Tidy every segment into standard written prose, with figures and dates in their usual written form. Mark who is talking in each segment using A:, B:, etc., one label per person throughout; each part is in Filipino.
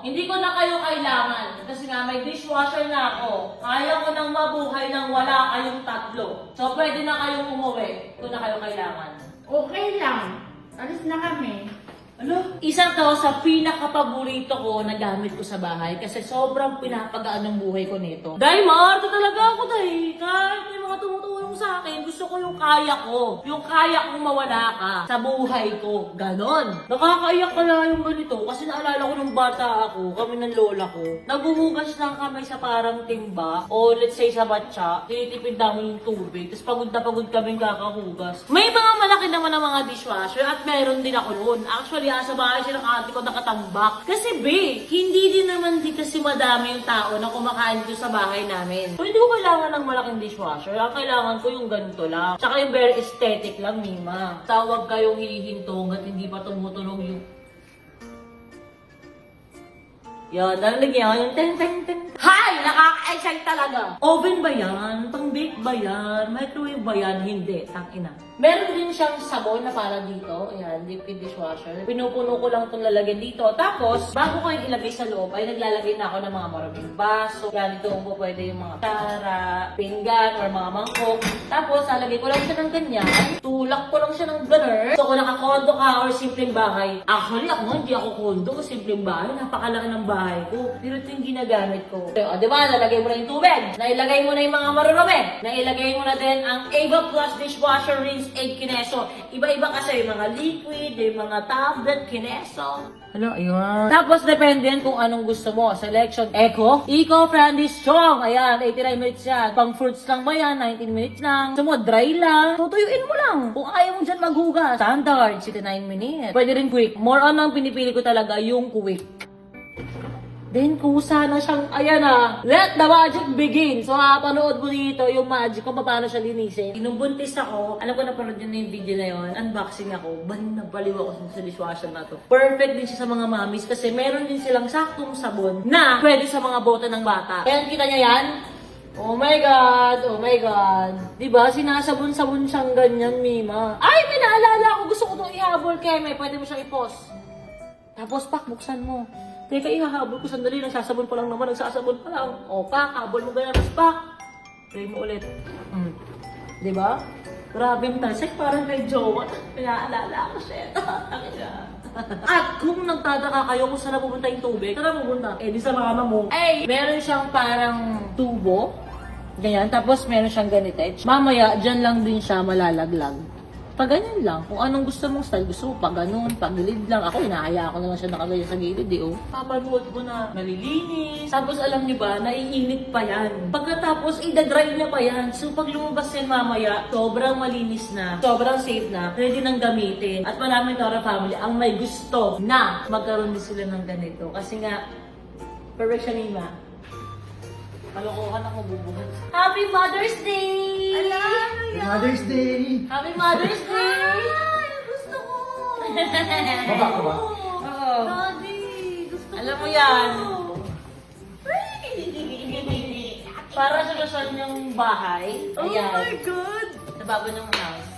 A: Hindi ko na kayo kailangan. Kasi nga may dishwasher na ako. Kaya ko nang mabuhay nang wala kayong tatlo. So pwede na kayong umuwi kung na kayo kailangan.
B: Okay lang. Alis na kami.
A: Ano? Isa to sa pinaka-paborito ko na gamit ko sa bahay kasi sobrang pinapagaan ng buhay ko nito. Dahil Marto talaga ako dahil kahit may mga tumutulong sa akin, gusto ko yung kaya ko. Yung kaya kong mawala ka sa buhay ko. Ganon. Nakakaiyak kaya yung ganito kasi naalala ko nung bata ako, kami ng lola ko. Naguhugas lang kami sa parang timba o let's say sa batya. Tinitipid namin yung tubig. Tapos pagod kami kakahugas. May mga malaki naman ng mga dishwasher at meron din ako noon. Actually, sa bahay siya ng ate ko nakatambak. Kasi hindi din naman kasi madami yung tao na kumakain dito sa bahay namin. So, hindi ko kailangan ng malaking dishwasher. Ang kailangan ko yung ganito lang. Tsaka yung very aesthetic lang, Mima. Tawag kayong hihinto hanggat hindi pa tumutunog yung... Yan, nalagyan yung ten. Hay! Nakaka-excite talaga! Oven ba yan? Pang-bake ba yan? Microwave ba yan? Hindi. Tangina. Meron din siyang sabon na para dito. Ayan, liquid dishwasher. Pinupuno ko lang itong lalagyan dito. Tapos, bago ko yung ilagay sa loob, ay naglalagay na ako ng mga maraming baso. Yan, ito po pwede yung mga tara, pinggan, or mga mangkok. Tapos, lalagay ko lang siya ng ganyan. Tulak ko lang siya ng gunner. So, kung naka-condo ka or simpleng bahay. Actually, ako hindi ako condo. Simpleng bahay. Napakalaki ng bahay ko. Pero ito yung ginagamit ko. So, diba? Nalagay mo na yung tubig. Nailagay mo na yung mga marurumi. Nailagay mo na din ang Ava Plus Dishwasher Rinse 8 Kineso. Iba-iba kasi yung mga liquid, yung mga tablet, Kineso. Ano, ayun. Tapos, depende yan kung anong gusto mo. Selection, Eco-friendly strong. Ayan, 89 minutes yan. Pang fruits lang ba yan? 19 minutes lang. Gusto mo, dry lang. Tutuyuin mo lang. Kung ayaw mo dyan maghugas. Standard, 69 minutes. Pwede rin quick. More on ang pinipili ko talaga yung quick. Then, kusa na siyang, ayan na, let the magic begin. So, panood mo dito yung magic kung paano siya linisin. Nung buntis ako, alam ko napanood yun na yung video na yun, unboxing ako, baliw ako sa dishwasher na to. Perfect din siya sa mga mommies kasi meron din silang saktong sabon na pwede sa mga bote ng bata. Kaya kita niya yan? Oh my God! Oh my God! Diba? Sinasabon-sabon siyang ganyan, Mima. Ay, may naalala ako. Gusto ko itong ihabol, Keme. Pwede mo siyang i-pause. Tapos, buksan mo. Teka, ihahabol ko sandali. Nagsasabon pa lang naman. Nagsasabon pa lang. O, habol mo ganyan. Tapos, play mo ulit. Diba? Grabe yung talsik. Parang kay jowa. Pinaalala ko siya. At kung nagtataka kayo kung saan napupunta yung tubig, saan napupunta? Eh, di sa mama mo. Ay! Meron siyang parang tubo. Ganyan. Tapos, meron siyang ganito. Mamaya, dyan lang din siya malalaglag. Pag ganyan lang, kung anong gusto mong style, gusto mo pa ganun, pag gilid lang. Ako, inaaya ko naman siya nakaganyan sa gilid eh, oh. Papanood ko na malilinis. Tapos alam niyo ba, naiinit pa yan. Pagkatapos, idadry niya pa yan. So pag lumabas yan mamaya, sobrang malinis na, sobrang safe na, pwede nang gamitin. At maraming Nora family ang may gusto na magkaroon din sila ng ganito. Kasi nga, perfect siya, Mima. Kalokohan ako bubuhat. Happy Mother's Day!
B: Alam!
C: Mother's Day!
A: Happy Mother's Day!
B: Ay! Gusto ko!
C: Baba ka ba?
A: Oo.
B: Daddy! Gusto
A: Alam
B: ko!
A: mo yan. Para sa Luzon yung bahay.
B: Oh
A: Ayan.
B: my God!
A: Sa baba ng house.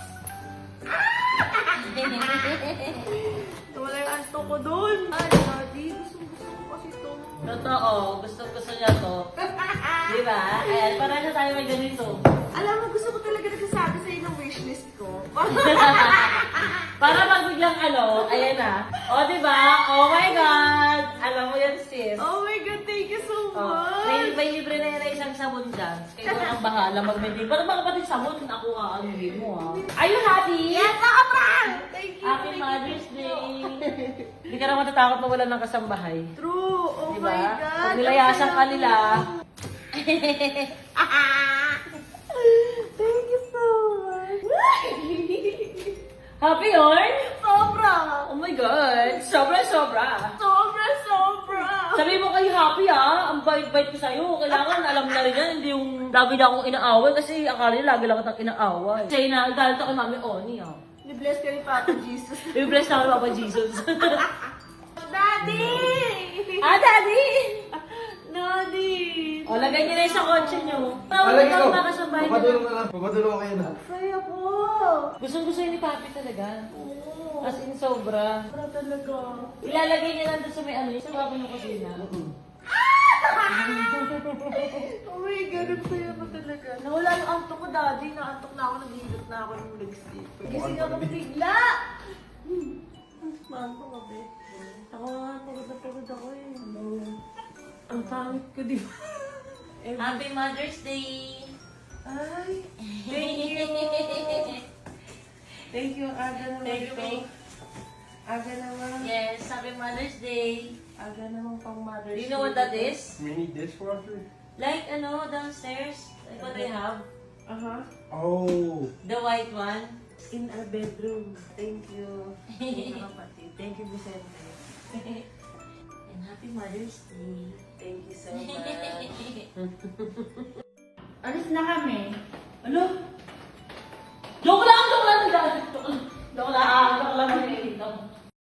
B: Wala yung anto ko doon. Ay, Daddy! Gusto ko kasi to.
A: Totoo. Gusto niya to. Diba? Ayan. Para sa tayo may ganito.
B: Alam mo, gusto ko talaga nagsasabi sa'yo ng wishlist ko.
A: Para pag biglang ayan na. O, diba? Oh my God! Alam mo yan, sis.
B: Oh my God, thank you so
A: Oh,
B: much!
A: may libre na yan na isang sabon dyan. Kaya ikaw ang bahala mag-maintain. Para mga kapatid sabon, ako aanuhin mo ha. Are you happy?
B: Yes, nakaprank! Thank you!
A: Happy
B: thank you
A: Mother's
B: so
A: Day!
B: much.
A: Hindi ka na matatakot mawala ng kasambahay.
B: True! Oh
A: Diba?
B: my God!
A: Pag nilayasan ka nila.
B: Thank you so much!
A: Happy yun?
B: Sobra!
A: Oh my God! Sobra!
B: Sobra! Sobra!
A: Sabi mo kayo happy ha? Ang bait-bait ko sa'yo. Kailangan alam na rin yan. Hindi yung lagi na akong inaaway kasi akala niya lagi lang kitang inaaway. Kasi galit ako kay Mami Oni ha.
B: Ni-bless ka ni Papa Jesus.
A: I-bless na ako ni Papa Jesus.
B: Daddy!
A: Daddy!
B: Daddy!
A: O, lagay niyo na yung sa kotse niyo.
C: Alagay ko.
A: Makasabay niyo.
C: Papadulong na lang. Papadulong kayo na.
B: Saya po.
A: Gustong-gusto yun ni Papi talaga.
B: Oo.
A: As in, sobra.
B: Sobra talaga.
A: Ilalagay niya lang doon sa may ano, sa baba ng kusina.
B: Oh my God, ang saya mo talaga. Nawala yung antok ko, daddy. Naantok na ako, naghihilot na ako ng legs-sleep. Gising ako bigla. Maantok ka, be. Ako nga, pagod ako eh. Ang pangit ko, di ba?
A: Happy Mother's Day!
B: Ay, thank you. Thank you, aga naman
A: Thank you,
B: ito.
A: Meg.
B: Aga naman.
A: Yes, Happy Mother's Day!
B: Aga naman pang Mother's
A: Do you know what that is?
C: Mini dishwasher?
A: Like, downstairs, like what I have.
B: Aha.
C: Oh.
A: The white one.
B: In our bedroom. Thank you. Thank you, kapatid. Thank you, Vicente.
A: And Happy Mother's Day.
B: Thank you so much.
A: Alis na kami. Ano? Joke lang! Joke lang! Joke lang! Joke lang! Joke lang!